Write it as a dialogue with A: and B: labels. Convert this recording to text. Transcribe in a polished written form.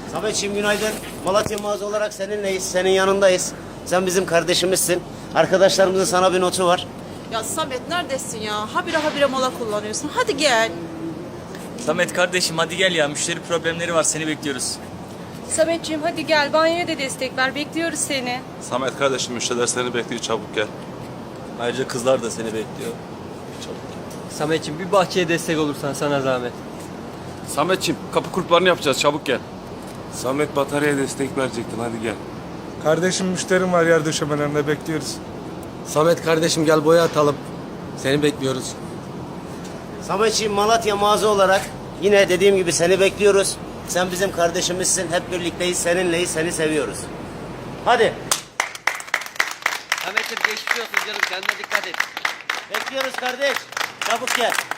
A: Sametciğim günaydın. Malatya mağaza olarak seninleyiz, senin yanındayız. Sen bizim kardeşimizsin. Arkadaşlarımızın sana bir notu var.
B: Ya Samet neredesin ya? Habire mola kullanıyorsun. Hadi gel.
C: Samet kardeşim hadi gel ya. Müşteri problemleri var. Seni bekliyoruz.
D: Sametciğim hadi gel, banyoya da destek ver, bekliyoruz seni.
E: Samet kardeşim müşteriler seni bekliyor, çabuk gel.
C: Ayrıca kızlar da seni bekliyor.
F: Sametciğim bir bahçeye destek olursan sana zahmet.
E: Sametciğim kapı kulplarını yapacağız, çabuk gel. Samet bataryaya destek verecektin, hadi gel.
G: Kardeşim müşterim var yer döşemelerinde bekliyoruz.
H: Samet kardeşim gel boya atalım. Seni bekliyoruz.
A: Sametciğim Malatya mağaza olarak yine dediğim gibi seni bekliyoruz. Sen bizim kardeşimizsin. Hep birlikteyiz, seninleyiz, seni seviyoruz. Hadi.
H: Samet'im geçmiş olsun canım, kendine dikkat et.
A: Bekliyoruz kardeş. Çabuk gel.